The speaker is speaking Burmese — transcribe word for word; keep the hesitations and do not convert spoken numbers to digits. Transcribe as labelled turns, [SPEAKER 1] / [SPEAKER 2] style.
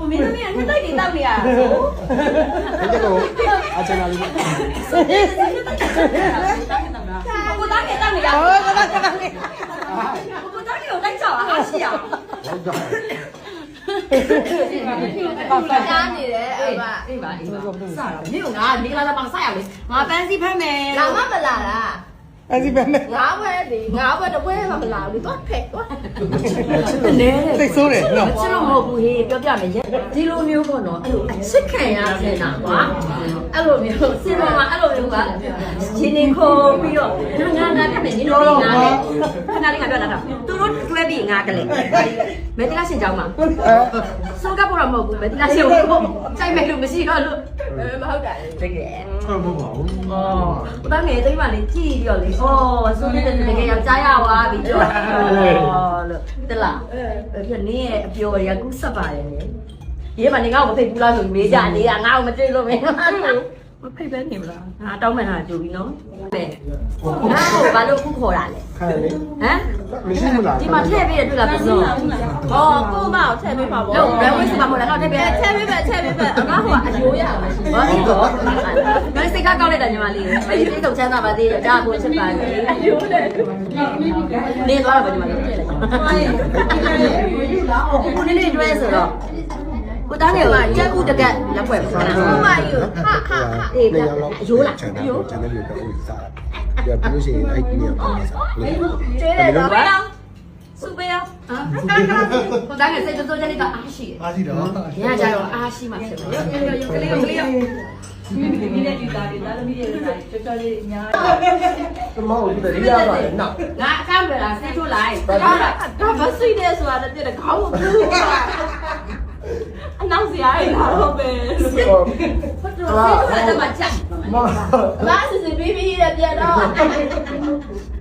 [SPEAKER 1] 我明天明天带你到你啊。
[SPEAKER 2] 这个阿珍那里。
[SPEAKER 1] 我打给到你啊。我打给到你。我打给有带走啊，阿西啊。
[SPEAKER 3] 加你嘞，哎吧，
[SPEAKER 1] 哎吧，哎吧，啥了？没有啊，你来来帮啥呀？我班是拍没？
[SPEAKER 3] 老妈不来啦。
[SPEAKER 2] အဲ့ဒီပဲနဲ့
[SPEAKER 3] ငါးဘွဲဒီငါးဘွဲတစ်ဘွဲမှမလာဘူးသွားဖက်သွား
[SPEAKER 1] နဲတယ်
[SPEAKER 2] သိဆိုးတယ်နော်
[SPEAKER 1] ချစ်လို့မဟုတ်ဘူးဟေးပြောပြမယ်ဒီလိုမျိုးပေါ့နော်အဲ့လိုအချစ်ခံရတဲ့နာကွာအဲ့လိုမျိုးစင်ပေါ်မှာအဲ့လိုမျိုးကရှင်နေခုံပြီးတော့ငါငါပြမယ်ညီတို့လေးငါလေခဏလေးငါပြောတာတော့သူတို့တွဲပြီးငါကလေးမဲတိကရှင်ကြောင်းမှာစိုးကပ်ပေါ်တော့မဟုတ်ဘူးမဲတိကရှင်ကိုကြိုက်မယ်လို့မရှိတော့လို့
[SPEAKER 3] မဟုတ်တာလေ
[SPEAKER 1] တကယ်
[SPEAKER 2] ဟုတ်မဟုတ်ပါဘူး
[SPEAKER 1] อ๋อตอนนี้တိတ်မှလေးကြည့်ပြီးတော့လေဩဆိုနေတဲ့တကယ်ယောက်ျားရသွားပြီပြောဩလို့တလားအဲ့ပြနင်းရဲ့အပျော်တွေကကူးဆက်ပါတယ်လေရေးမနေငါ့ကိုမဖိတ်ဘူးလားဆိုမေးကြနေတာငါ့ကိုမတွေ့လို့မင်းမဖိတ်ပဲနေမလားငါတောင်းမှန်တာကြိုပြီးနော်ပဲငါ့ကိုဘာလို့ခုခေါ်တာလဲ
[SPEAKER 2] ခါလေ
[SPEAKER 1] ဟမ်
[SPEAKER 2] မရှိဘူးလား
[SPEAKER 1] ဒီမှာထည့်ပြီးတွေ့လားပစုံ
[SPEAKER 3] ဟောကိုမအောင်ထည့်ပေးပါဗော
[SPEAKER 1] လို့ဘယ်ဝိစမှာမဟုတ်လားငါထည့်ပြီး
[SPEAKER 3] ထည့်ပေးပဲထည့်ပေးပဲငါဟိုကအယိုးရမှာရှိ
[SPEAKER 1] ဘာလို့တော့ငါစိတ်ကကောက်လိုက်တာညီမလေးမလေးစိတ်ကုန်ချမ်းသာပါသေးတယ်ဒါကိုချစ်ပါလေ
[SPEAKER 3] အယိုးနဲ့
[SPEAKER 1] နေသွားတော့ညီမလေးတွေ့လိုက်ကိုနေနေတွေ့ဆိုတော့ကိုသားငယ်ကကြက်ဥတကက်လက်ဖွဲ့ပါလား
[SPEAKER 3] ဟိုမယူဟာဟာဟာ
[SPEAKER 1] အေးဒါအယိုးလား
[SPEAKER 2] ကျန်တယ်ကျန်တယ်လို့တော့ဥစားပြပြလို့ရှိရင်အဲ့ဒီနေရာမှာစားလို့
[SPEAKER 3] ကျွေးတယ်တော့
[SPEAKER 1] ဘယ်အောင်စုပေးအောင်ဟာကိုသားငယ်စိတ်စိုးကြလေးကအားရှိတယ်
[SPEAKER 2] အားရှိတော့
[SPEAKER 1] ညကြတော့အားရှိမှဖြစ်တယ်ရုပ်ရုပ်ရုပ်ကလေးကလေးမိမိမိနဲ့ဒီသားတွေသားသမီးတွေသားကြောကြောလေးညာ
[SPEAKER 2] မဟုတ်ဘူးတည်းရပါတယ်နော်
[SPEAKER 1] ငါအကောင့်လာဆေးထိုးလိုက်
[SPEAKER 3] ဒါဒါမဆွေးတယ်ဆိုတာတည်းတခေါင်းကိုဘူးအနောက်စရာရလာတော့ပဲ
[SPEAKER 1] ဆေးထိုးလိုက်တော့မှကြက်
[SPEAKER 2] မ
[SPEAKER 3] ဘာစစ်စစ်ပြီးပြီးတဲ့ပြန်တော့